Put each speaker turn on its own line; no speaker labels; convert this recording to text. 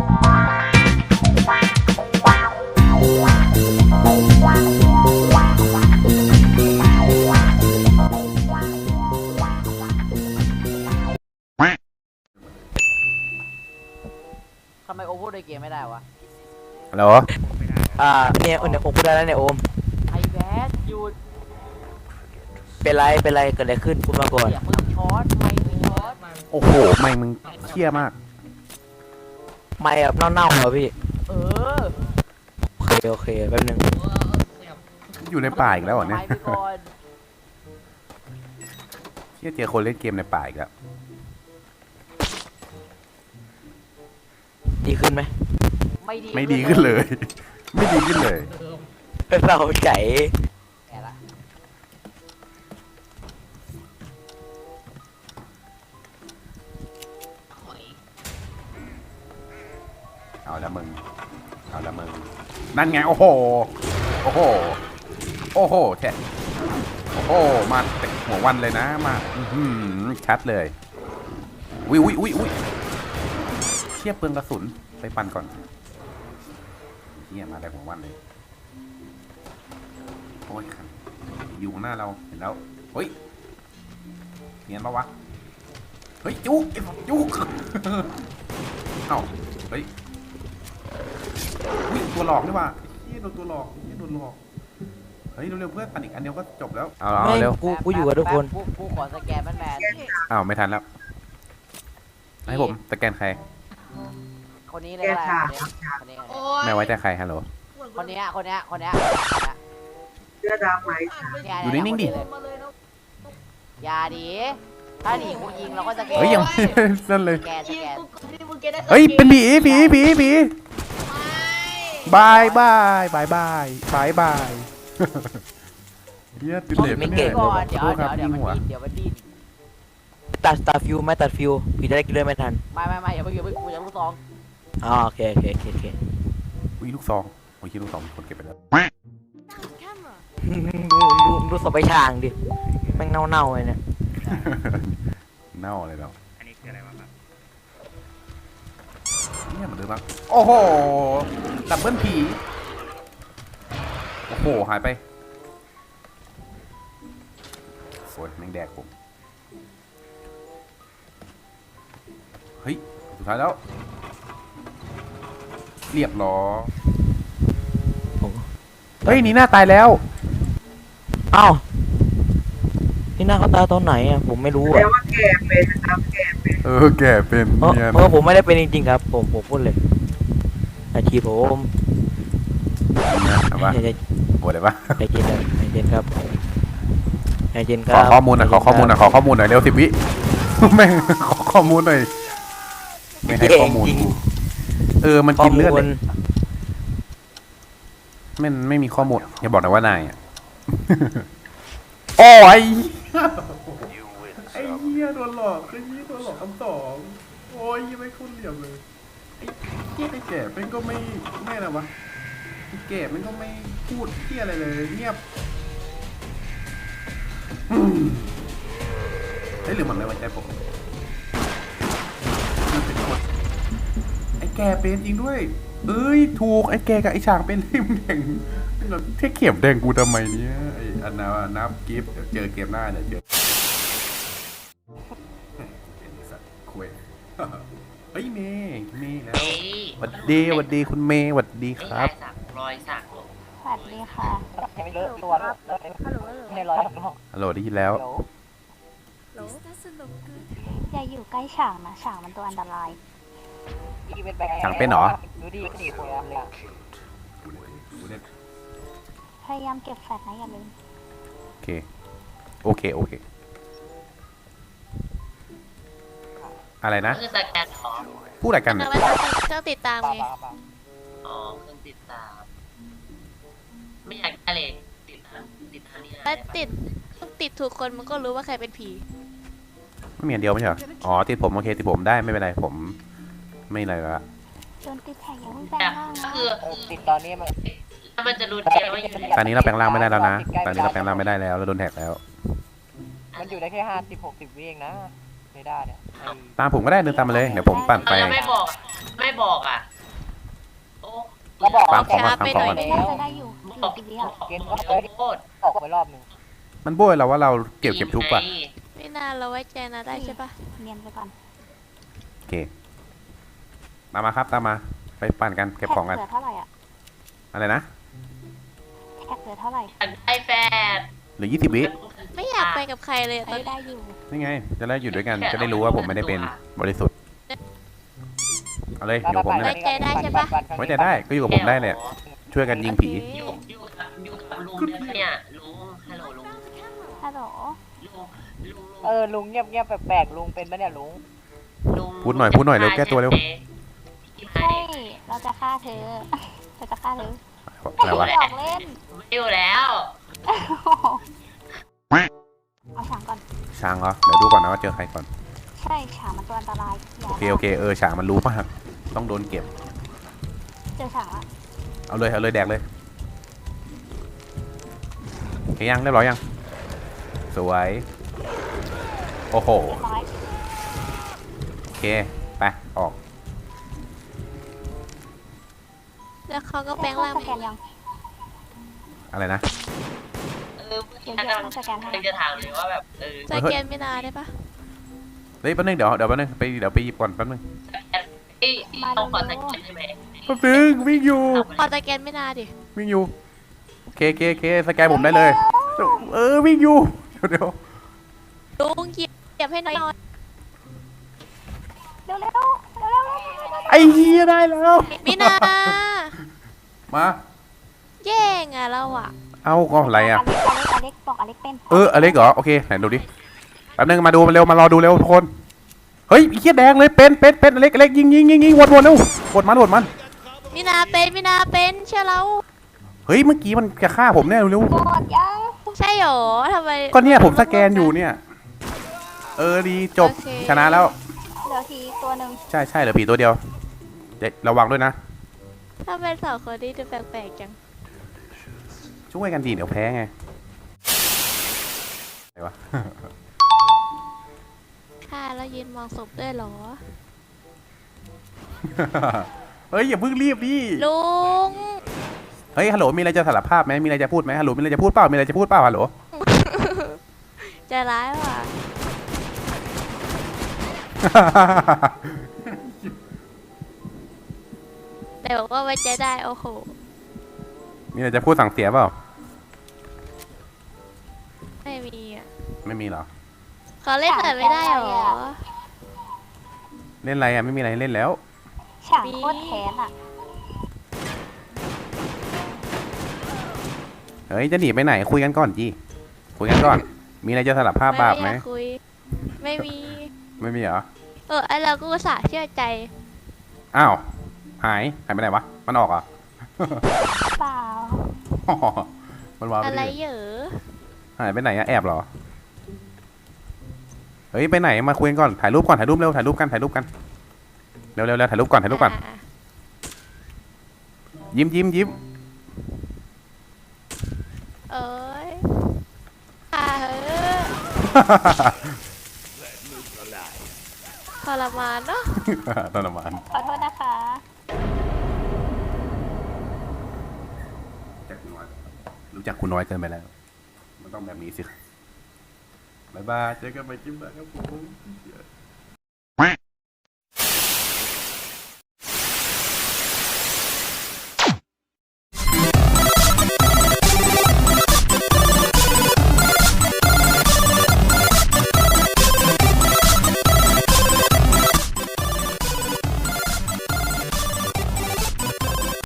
ทำไมโอพูดในเกมไม่ได้วะ
ฮัลโหล
เนี่ยโอมพูดได้แล้วเนี่ยโอม
ไอแบดหยุด
เป็นไรเกิดอะไรขึ้นพูดมาก่อน
อย่ามึงช็อตไม่มึงช็อต
โอ้โหไม่มึงเชี่ยมาก
ไม่แบบเน่าๆเหรอพี่
เออ
โอเคแป๊บนึง
อยู่ในป่าอีกแล้วเหรอเนี่ย
ไปก่อน
เชี่ยเจอคนเล่นเกมในป่าอีกแล้ว
ดีขึ้นไหม
ไม่ดีขึ้นเลย ไม่ดีขึ้นเลย
เราใจ
แกละ
เอาละมึงนั่นไงโอ้โหโอ้โหโอ้โหแช่โอ้โหมาเตะหัววันเลยนะมาชัดเลยอุ้ยเชี่ยเปลืองกระสุนไปปั่นก่อนเชี่ยมาแต่หัววันเลยโอ้ยครับอยู่ข้างหน้าเราเห็นแล้วเฮ้ยเนียนปะวะเฮ้ยจุกเอ้าเฮ้ยตัวหลอกนี่ว่ะเฮ้ยโดนตัวหลอกเฮ้ยเร็วๆเพื่อนปั่นอีกอันเดียวก็จบแล้วเอาเร็ว
กูอยู่กับทุกคน
กูขอสแกนแมน
อ้าวไม่ทันแล้วให้ผมสแกนใคร
คนนี้เลยก็ได้คนนี้
ไม่ไว้ใจใครฮัลโหล
คนนี้
เสื้อดำไหม
อยู่นิ่งๆดิ
อย่าดิถ้าหนีกูยิงเราก็สแกน
เฮ้ยยังไม่นั่นเลย
สแกน
เฮ้ยเป็นผีบายเฮียติดเหล็ก
ไม่เก่ง
ก่อนเดี๋ยว
ขอโทษครับยิงหัว
เดี๋ยวมันดิ้น
ตัดฟิวไม่ตัดฟิวพี่จะได้กินเลือดไม่ทัน
ไม่อย่าเพิ่งกูจะลูกซอง
อ๋อโอเค
อุ้ยลูกซองโอ้ยลูกซองมีคนเก็บไปแล้ว
ดูศพไปช่างดิแม่งเน่าเลยเนี่ย
เน่าเลยเรา
อันนี้คืออะไรวะครับ
เนี่ยมันเดิมมากโอ้โหดับเบิลผีโอ้โหหายไปโอ้ยแม่งแดกผมเฮ้ยสุดท้ายแล้วเรียบร้อยเฮ้ยนี่หน้าตายแล้ว
อ้าวที่หน้าเขาตาตอนไหนอ่ะผมไม่รู้
แปล
อ่ะ
ว่าแกเป็นนะครับแกเป็น
แก่เป็นเนี่ย
ผมไม่ได้เป็นจริงๆครับผมพูดเลยอาชีพผม
เอาปะโอ้ได้ปะ
ใจเย็นครับ
ขอข้อมูลหน่อยเร็ว10 วิแม่งขอข้อมูลหน่อยไม่ให้ข้อมูลกูมันกินเลือดเลยมันไม่มีข้อมูลอย่าบอกนะว่านายอ่ะโอ้ยไอ้เหี้ยโดนหลอกคำสองโอ้ยยังไม่คุ้นเหลี่ยมเลยไอ้เหี้ยไอ้แก่เป็นก็ไม่นะวะไอ้แก่มันก็ไม่พูดเหี้ยอะไรเลยเงียบเฮ้ยหรือมันไม่ไว้ใจผมมันเป็นคนไอ้แก่เป็นจริงด้วยเอ้ยถูกไอ้แก่กับไอ้ฉางเป็นที่มึงแข่งเราเท่เข็มแดงกูทำไมเนี่ยไอ้อันนานับกิฟต์เดี๋ยวเจอเกมหน้าเดี๋ยวเจอสัตว์คุยเฮ้ยเมย์แล้วหวัดดีคุณเมย์หวัดดีครับ
รอยสัก
สวัสดีค่ะ
ไม่เลอะตัวไม่ร้อย
ฮัลโหลได้ยินแล้ว
อย่าอยู่ใกล้ฉางนะฉางมันตัวอันตราย
ฉางเป็นเหรอ
ดูดิก็ดีคนละเลย
พยายามเก็บแฟลชนะอย่าลืม
โอเคอะไรนะ
คือสแกนหรอ
พูดอะไรกัน
เอา
เนี่ย
ไว้เครื่องติดตามไง
อ๋อเครื่องติดตาม ไม่อยากได้เลยติดตามนี่
ถ้าติดถูกคนมันก็รู้ว่าใครเป็นผี
ไม่มีอันเดียวไม่ใช่เหรออ๋อติดผมโอเคติดผมได้ไม่เป็นไรผมไม่อะไรละ
โดนติดแท็กอย่าเพิ่งแปลงร่าง
ก็
นะ
คือ
ติดตอนนี้มัน
มันจะรู้แค่ว่าอยู่ใน
ตอนนี้เราแปลงร่างไม่ได้แล้วนะตอนนี้เราแปลงร่างไม่ได้แล้วเราโดนแท็กแล้ว
มันอยู่ได้แค่50-60 วิเองนะไม่ได้เนี่ย
ตามผมก็ได้เดินตามมาเลยเดี๋ยวผมปั่นไป
แล้วไม่บอกอ่ะ
บอก
ฟังของก่อน
ช้าไป
ฟังของ
หน่
ก่
อ
อย น
น่าจะได้อยู่กี่วิอ่ะ
เกณฑ์
ข
ก็
อ
เลย
โทษ
ออกไปรอบหนึง
มันโบยเราว่าเราเก็บทุบป่ะ
ไม่นานเราไว้ใจนะได้ใช่ปะ
เนียนไปก่อน
โอเคตามมาครับตามมาไปปั่นกันเก็บของกัน
แท็กเหลือเท่าไหร่อ่ะ
อะไรนะ
แท็กเหลือเท่าไหร่
อยากได้แฟด
เหลือ20 วิ
ไม่อยากไปกับใครเลยตอน
ได้
นี้
อยู่
นี่ไงจะได้อยู่ด้วยกันจะได้รู้ว่าผมไม่ได้เป็นบริสุทธิ์เอาเลยอยู่กับผมนี่แหละ ไว้ใจได้ก็อยู่กับผมได้เลยช่วยกันยิงผี
โอเค
อยู่กับลุงเนี่ยลุงฮัลโหลลุง
ฮัลโหล
ลุงเงียบแปลกๆลุงเป็นปะเนี่ยลุง
ลุง
พูดหน่อยเร็วแก้ตัวเร็ว
ใช่ เราจะฆ่าเธอ เราจะฆ่าเธอ
อะไรวะ
หยอกเล่น
ไม่อยู่แล้ว
เอาฉางก่อน
ช้างเหรอเดี๋ยวดูก่อนนะว่าเจอใครก่อน
ใช่ฉางมันตัวอันตรายย่า
โอเคฉางมันรู้มากต้องโดนเก็บ
เจอฉางละ
เอาเลยแดกเลยโอเคยังเรียบร้อยยังสวยโอ้โห
เรียบร้อย
โอเคไปออก
แล้วเขาก็แปลงร่าง
ส
ไป
แกนยัง
อะไรนะ
พี่นัทกำลังจะถามเลยว่าแบบ
สแกนไม่นานได้ปะ
เฮ้ยแป๊บนึงเดี๋ยวแป๊บนึงเดี๋ยวไปหยิบก่อนแป๊บนึง
เราขอสแกนได้ไหม
แป๊บนึงวิ่งอยู่
พอสแกนไม่นานดิ
วิ่งอยู่โอเคสแกนผมได้เลยวิ่งอยู่เดี๋ยว
ลุงเหยียบให้หน่อย
เร็วเร็วเร็วเร็วเร็ว
ไอ้เหี้ยได้แล้ว
มินา
มา
แย่งอ่ะเราอ่ะ
เอาก็อะไรอ่ะ
อเล็กบอกอเล็กเป็น
อเล็กเหรอโอเคไหนดูดิแป๊บนึงมาดูมันเร็วมารอดูเร็วทุกคนเฮ้ยไอ้เหี้ยแดงเลยเป็นอเล็กยิงวนเร็ววนมัน
มินาเป็นเชื่อเรา
เฮ้ยเมื่อกี้มันจะฆ่าผมแน่เร็ว
หมดยัง
ใช่หรอทำไม
ก็เนี่ยผมสแกนอยู่เนี่ยดีจบ
โอเค
ชนะแล้ว
เหลือทีตัวหนึ่ง
ใช่เหลือผีตัวเดียวเดี๋ยวระวังด้วยนะ
ถ้าเป็นสองคนนี้ดูแปลกๆจัง
ช่วยกันดีเดี๋ยวแพ้ไงอะไรวะ
ค่ะแล้วยืนมองศพด้วยเหรอ
เฮ้ยอย่าเพิ่งรีบดิ
ลุง
เฮ้ยฮัลโหลมีอะไรจะสารภาพไหมมีอะไรจะพูดไหมฮัลโหลมีอะไรจะพูดเปล่าฮัลโหล
ใจร้ายว่ะ แต่บอกว่าไว้ใจได้โอ้โห
มีอะไรจะพูดสั่งเสียเปล่า
ไม่มีอ่ะ
ไม่มีเหรอ
เขาเล่นหน่อยไม่ได้หรอ
เล่นอะไรอ่ะไม่มีอะไรให้เล่นแล้ว
ฉางโคตรแค้นอ่ะ
เฮ้ยจะหนีไปไหนคุยกันก่อนจีคุยกันก่อน มีอะไรจะสารภาพบาปไหม
อยากคุย ไม่มี
ไม่มีเหรอ
ไอเราก็อุตส่าห์เชื่อใจ
อ้าวหายไปไหนวะมันออกเหรอ่ะ
เปล่า
มันวางไป
อะไร
ดิ
เหรอ
หายไปไหนอะแอบเหรอเฮ้ยไปไหนมาคุยกันก่อนถ่ายรูปเร็วถ่ายรูปกันเร็วถ่ายรูปก่อน
อ่ะ
ยิ้ม
เอ้ยค่ะเฮ้ยทรมานเนาะ
ทรมาน
ขอโทษนะคะ
รู้จักคุณน้อยเกินไปแล้ว มันต้องแบบนี้สิบ๊ายบายเจอกันใหม่คลิปหน้าครับผม